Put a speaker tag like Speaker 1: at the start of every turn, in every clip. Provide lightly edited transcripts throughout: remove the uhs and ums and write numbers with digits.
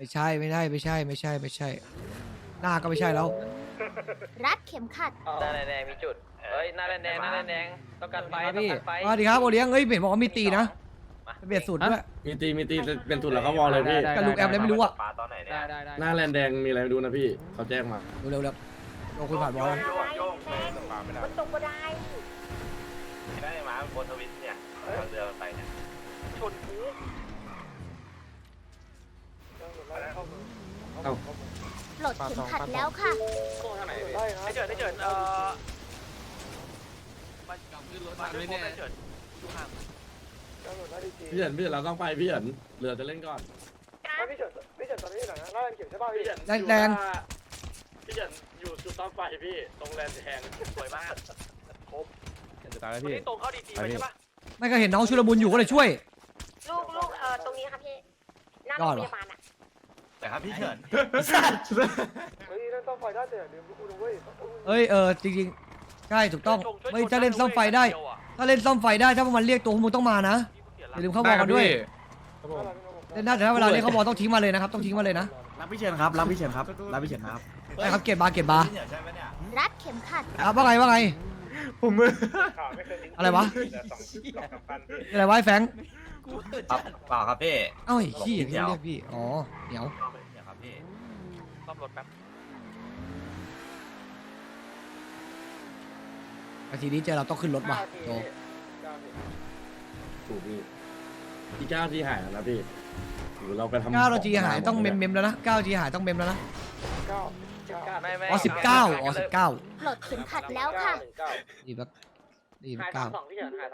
Speaker 1: ไม่ใช่หน้าก็ไม่ใช่แล้ว
Speaker 2: รัดเข็มขัด
Speaker 3: หน้าแดงมีจุดเฮ้ยหน้าแดงต้องการไฟต้อง
Speaker 1: พี่
Speaker 3: การไฟ
Speaker 1: สวัสดีครับโอเลี้ยงเฮ้ยเห็นบอกว่ามีตีนะเบียดสุดด้วย
Speaker 4: มีตีเป็นสุดแล้วเขาวอลเลยพี่
Speaker 1: กับลูกแอมเลยไม่รู้อ่ะ
Speaker 3: ตอนไหนเนี่ย
Speaker 4: หน้าแลนแดงมีอะไรดูนะพี่เขาแจ้งมา
Speaker 1: เร็วลงคุยผ่านบอล
Speaker 2: มันตกก็ได้
Speaker 3: ได้มาบนทวิตเนี่ยเรือไปเนี่ยชนกู
Speaker 4: เอ้า
Speaker 2: ปลดเข็มขัดแล้วค่ะ
Speaker 3: โค้งทางไหนให้เจิดมันไม่แน่เจิด
Speaker 4: พี่เฉินเราต้องไปพี่เฉินเรือจะเล่นก่อน
Speaker 5: พี่เฉินตอนนี้อยู่ไหนนะหน้าแลนเขียวใช่ป่ะพี่
Speaker 1: แดง
Speaker 4: พี่เฉินอยู่จุดต้องไฟพี่ตรงแลนแดง
Speaker 3: สวยมาก
Speaker 6: จะตายแล้ว
Speaker 3: คน
Speaker 6: พี่
Speaker 3: ที่ตรงเข้าดีๆไปใช่ปะ
Speaker 1: ไม่ก็เห็นน้องชุลมุนอยู่ก็เลยช่วย
Speaker 2: ลูกตรงนี้ค่ะพี่หน้าโรงพยาบาลอ่ะ
Speaker 3: แต่ครับพี่เฉิน
Speaker 5: เฮ้ยนั่นต้องไฟได้แต่ลืมกูด้วย
Speaker 1: เอ้ยจริงๆใช่ถูกต้องเฮ้ยถ้าเล่นซ่อมไฟได้ ถ้าเล่นซ่อมไฟได้ถ้าพวกมันเรียกตัวพวกมึงต้องมานะอย่าลืมเข้าบอลกันด้วยเล่นได้แต่ถ้าเวลาเล่นเข้าบอลต้องทิ้งมาเลยนะครับต้องทิ้งมาเลยนะ
Speaker 6: รับพี่เชิญครับรับพี่เชิญครับรับพี่เชิญครับ
Speaker 1: ได้ครับเก็บบาร์
Speaker 2: รัดเข็มขัด
Speaker 1: ครับว่าไงผมอะไรวะอะไรวะไอ้แฟง
Speaker 3: เปล่าครับพี่
Speaker 1: เอ้าไอ้ขี้ที่เรียกพี่อ๋อเหนียว
Speaker 3: เดี๋ยวครับพี่ซ่อมรถแป๊บ
Speaker 1: นาทีนี้เจอเราต้องขึ้นรถว่ะโต
Speaker 4: ถูกพี่ที่9ที่หายแล้วพี่หรือเราไปทำ
Speaker 1: 9นาทีหายต้องเมมแล้วนะ9นาทีหายต้องเมมแล้วนะ
Speaker 3: ไม่
Speaker 1: อ๋อ19อ๋อ19
Speaker 2: ปลดเข็มขัดแล้วค่ะ
Speaker 1: ดีแบบดีแบบ
Speaker 3: หาย32พี่เฉินหาย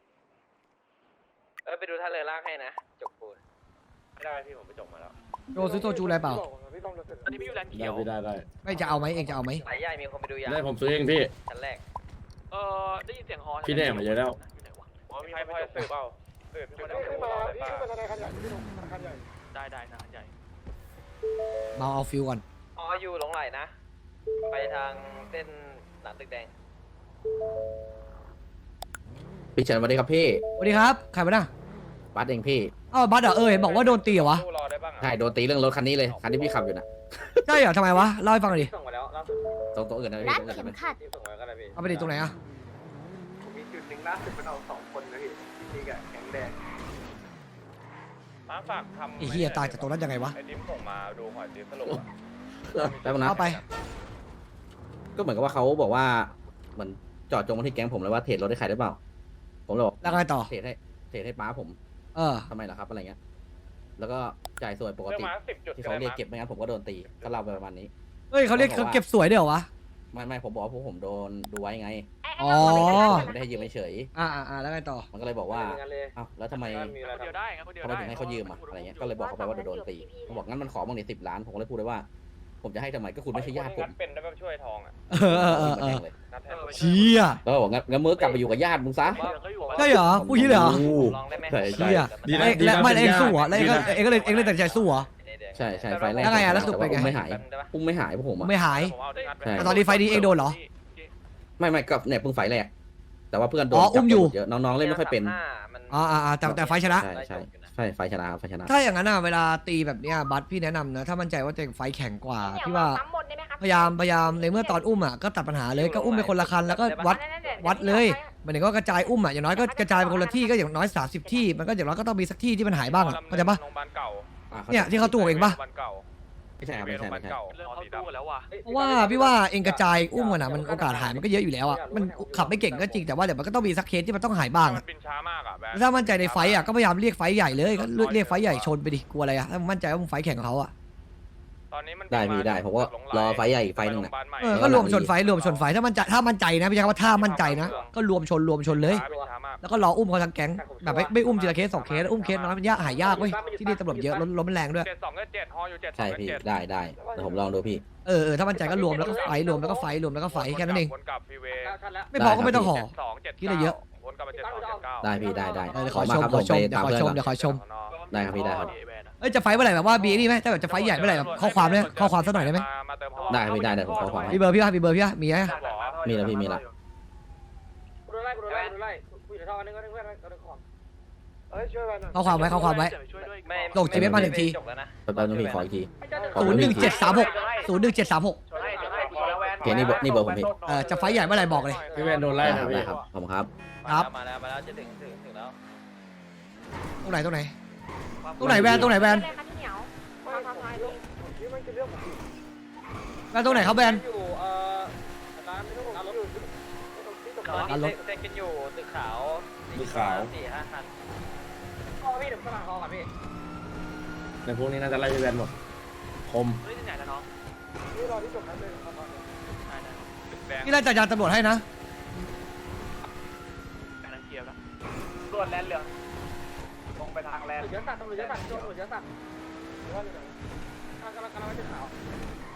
Speaker 3: 32ไปดูท่าเรือลากให้นะจกปูนไม่ได้พี่ผมไปจกมาแล้ว
Speaker 1: โจซื้อโซจูอะไรเปล่า
Speaker 3: ตอนนี้พี่อยู่แลนด์เขียว
Speaker 4: ได้
Speaker 1: ไม่จะเอาไหมเองจะเอาไหม
Speaker 3: สายใหญ่มีคนไปดูยา
Speaker 4: ได้ผมซื้อเองพี่
Speaker 3: ชั้นแรกได้ยินเสียงฮอ
Speaker 4: พี่แน่มาเยอะแล้ว
Speaker 3: มีใครพอจะสืบเปล่าสืบพี่
Speaker 5: พี่ขึ้นมาพี่ขึ้นมาธนาคารใหญ่พี่ลงธนาคารใหญ่
Speaker 3: ได้นะใหญ่
Speaker 1: เมาเอาฟิลก่อน
Speaker 3: อยู่หลงไหลนะไปทางเส้นหลังตึกแดง
Speaker 6: พี่เชิญสวัสดีครับพี่
Speaker 1: สวัสดีครับใครมาน่ะ
Speaker 6: บัสเองพี่
Speaker 1: อ้าวบัสเหรอเห็นบอกว่าโดนตีเหรอวะ
Speaker 3: รอได้บ้าง
Speaker 6: ใช่โดนตีเรื่องรถคันนี้เลยคันที่พี่ขับอยู่น่ะ
Speaker 1: ใช่เหรอทำไมวะเล่าให้ฟังหน่อยดิ
Speaker 3: ส่งมาแล้วล่าสุด
Speaker 6: ตรงตัวอื่นนะ
Speaker 2: รั
Speaker 6: พี่
Speaker 2: ด
Speaker 6: ตรงอื่น
Speaker 2: เข็ม
Speaker 6: นะ
Speaker 2: ขัด
Speaker 3: ส่งมาก็ได้พี่
Speaker 1: เอาไปดิตรงไหนอะ
Speaker 5: มีจุดหนึ่งล่าสุดมันเอา2 คนนะพี่นี่กับแข็งแดง
Speaker 3: มาฝากทำ
Speaker 1: ไอ้เฮียตายจากตรงนั้นยังไงวะ
Speaker 3: ไอ้ดิมส่งมาดูหอยดิมสรุป
Speaker 6: แป๊บนึงนะ
Speaker 1: เอาไป
Speaker 6: ก็เหมือนกับว่าเขาบอกว่าเหมือนเจอดจงมาที่แก๊งผมเลยว่าเทรดรถให้ใครได้เปล่าผมเลยบอก
Speaker 1: แล้วไงต่อ
Speaker 6: เทรดให้ป้าผม
Speaker 1: เออ
Speaker 6: ทำไมล่ะครับอะไรเงี้ยแล้วก็จ่ายส่วนปก
Speaker 3: เรื่อง
Speaker 6: ติ
Speaker 3: มา10 จุด
Speaker 6: ที่เขาเรียกเก็บไม่งั้นผมก็โดนตีก็เล่าไปประมาณนี้
Speaker 1: เฮ้ยเขาเรียกเขาเก็บสวยด้วยเหรอวะ
Speaker 6: ไม่ผมบอกว่าพวกผมโดนดูไว้ไง
Speaker 1: อ๋อ
Speaker 6: ไม่ได้ให้ยืมเฉย
Speaker 1: แล้วไงต่อ
Speaker 6: มันก็เลยบอกว่าอ้าวแล้วทำไม
Speaker 3: คนเดียวได้ครับคนเดียว
Speaker 6: ทำไมถึงให้เขายืมอ่ะอะไรเงี้ยก็เลยบอกเขาไปว่าโดนตีเขาบอกงั้นมันขอบ้างดิ10 ล้านผมก็เลยพูดเลยว่า ผมจะให้ทำไมก็คุณไม่ใช่ญาติผม
Speaker 3: เป็นได้แบบช่วยทองอ่ะ
Speaker 1: เออ
Speaker 3: นัดแทน
Speaker 1: เชี่ย
Speaker 6: แล้วบอกงั้นมือกลับไปอยู่กับญาติมึงซะ
Speaker 1: ใช่เหรอพูดอย่างนี้เลยเหรอ
Speaker 3: ลองได้ไหม
Speaker 1: เชี่ยแล้วไม่เองสู้เหรอแล้วเองก็เลยตัดใจสู้เหรอ
Speaker 6: ใช่ไฟแรก
Speaker 1: แล้วไงอ่ะแล้วสรุปเป็นไง
Speaker 6: อุ้มไม่หายอุ้มไม่หายพวกผมอ่ะ
Speaker 1: ไม่หาย
Speaker 6: ใช่
Speaker 1: แต่ตอนนี้ไฟนี้เองโดนเหรอ
Speaker 6: ไม่ก็เนี่ยเพิ่งไฟแรกแต่ว่าเพื่อนโดน
Speaker 1: อ๋ออุ้มอยู่
Speaker 6: จับเยอะน้องๆเล่นไม่ค่อยเป็น
Speaker 1: แต่ไฟชนะ
Speaker 6: ใช่ไฟชนะไฟชนะ
Speaker 1: ถ้าอย่างนั้นเวลาตีแบบเนี้ยบัสพี่แนะนำนะถ้ามั่นใจว่าตัวเองไฟแข็งกว่าพี่ว่าพยายามในเมื่อตอนอุ้มก็ตัดปัญหาเลยก็อุ้มไปคนละคันแล้วก็วัดเลยมันถึงก็กระจายอุ้มอย่างน้อยก็กระจายไปคนละที่ก็อย่างน้อย30 ที่มันก็อย่างน้อยก็ต้องมีสักที่ที่มันหายบ้างเข้าใจปะ
Speaker 3: โรงพยาบาลเก่า
Speaker 1: เนี่ยที่เขาตัวเองปะ
Speaker 3: โรงพยาบาลเก่า
Speaker 6: ไม่ใช่ครับไม่ใช่
Speaker 3: เรื่องเข้าตู้แล้วว่ะ
Speaker 1: เพราะว่าพี่ว่าเองกระจายอุ้มกันมันโอกาสหายมันก็เยอะอยู่แล้วมันขับไม่เก่งก็จริงแต่ว่าเดี๋ยวมันก็ต้องมีสักเคสที่มันต้องหายบ้าง
Speaker 3: มันบินช้ามากอ่ะแบบ
Speaker 1: ถ้ามั่นใจในไฟก็พยายามเรียกไฟใหญ่เลยก็เรียกไฟใหญ่ชนไปดิกลัวอะไรถ้ามั่นใจว่ามึงไฟแข่งกับเขา
Speaker 3: ตอนนี้มัน
Speaker 6: ได้พี่ได้ผมก็รอไฟใหญ่อีกไฟหนึ่งนะ
Speaker 1: ก็รวมชนไฟถ้ามั่นใจนะพี่ใช้คำว่าถ้ามั่นใจนะก็รวมชนเลย แล้วก็รออุ้มเขาทั้งแก๊งแบบไม่อุ้มทีละเคส2 เคสอุ้มเคสน้อยมันยากหายากเว้ยที่นี่ตำรวจเยอะล้มมันแรงด้วย
Speaker 3: 72 7ฮออยู่7
Speaker 6: ใช่พี่ได้เดี๋ยวผมลองดูพี่
Speaker 1: ถ้ามั่นใจก็รวมแล้วก็ไฟรวมแล้วก็ไไฟแค่นั้นเอง
Speaker 3: วนกลับฟรีเวย์
Speaker 1: ไม่พอก็ไม่ต้องห่อ
Speaker 3: 72
Speaker 1: คิดอะไรเยอะ
Speaker 3: วนกลับมา72 79
Speaker 6: ได้พี่ได้
Speaker 1: เดี๋ยว
Speaker 6: ข
Speaker 1: ข
Speaker 6: อ
Speaker 1: อ
Speaker 6: มา
Speaker 1: ชม
Speaker 6: ครับ
Speaker 1: ข
Speaker 6: ผ
Speaker 1: อ
Speaker 6: ม
Speaker 1: ชม
Speaker 6: ไป
Speaker 1: เดี๋ยว
Speaker 6: ตาม
Speaker 1: ขอ
Speaker 6: เพื่อน
Speaker 1: ชม
Speaker 6: ก่อน
Speaker 1: เดี๋ยวขอชม
Speaker 6: ได้ครับพี่ได้ครับ
Speaker 1: จะไฟเมื่อไหร่แบบว่าบีนี่ไหมถ้าแบบจะไฟใหญ่เมื่อไหร่แบบข้อความเนี่ยข้อความสักหน่อยได้ไหม
Speaker 3: มาเติมฮอ
Speaker 6: ได้พี่ได้ผมขอความ
Speaker 1: มีเบอร์พี่มีเบอร์พี่มีไหม
Speaker 6: มีแล้วพี่มีแล้ว
Speaker 5: กูโดนไล่กูอยู่ในท่อนึงก็นึงเพื่อนก็นึงของช่วยมาหน่อย
Speaker 1: เข้าความไว้เข้าความไว้ ส่ง GPS มาหนึ่งที
Speaker 6: แป๊บนึงพี่ขออีกที
Speaker 1: 01736
Speaker 3: ชนให้พอแล้วแวน
Speaker 6: โอเคนี่เบอร์ผมพี่
Speaker 1: จะไฟท์ใหญ่เมื่อไหร่บอกเลย
Speaker 4: พี่แวนโดนไล่
Speaker 6: ได้ครับ
Speaker 4: นะพี่
Speaker 6: ได้ครับขอบคุณครับ
Speaker 1: ครับ
Speaker 7: มาแล้วจะถึงแล้ว
Speaker 1: ตรงไหนแวนตรงไหนแวน
Speaker 2: เลยค่ะพี่เหนียวทำลายลง
Speaker 5: นี่มันคือเรื่องของพี่
Speaker 1: แวนตรงไหนครับแวน
Speaker 7: อยู่ร้านรถ
Speaker 1: ร้านรถ
Speaker 7: เซ็นกันอยู่ตึกขาว 4-5 คัน
Speaker 5: พ่อพี่เดี๋ยวฝรั่งคอกับพี่
Speaker 4: ในพวกนี้น่าจะไล่พี่แวนหมดคม
Speaker 7: เฮ้ยที่ไหนแล้วน้อง
Speaker 5: นี่รอที่จบนั้นเลยประมาณนี้
Speaker 1: นี่ไล่จักรยานตำรวจให้นะ
Speaker 7: การเคลียร์แล้ว
Speaker 3: รวดแลนเหลืองลงไปทางแลน
Speaker 5: ตำรวจเยอะสัตว์ตำรวจเยอะสัตว์ตำรวจเยอะสัตว์ว่าอยู่ไหนกำลังไม่ใช่ขาว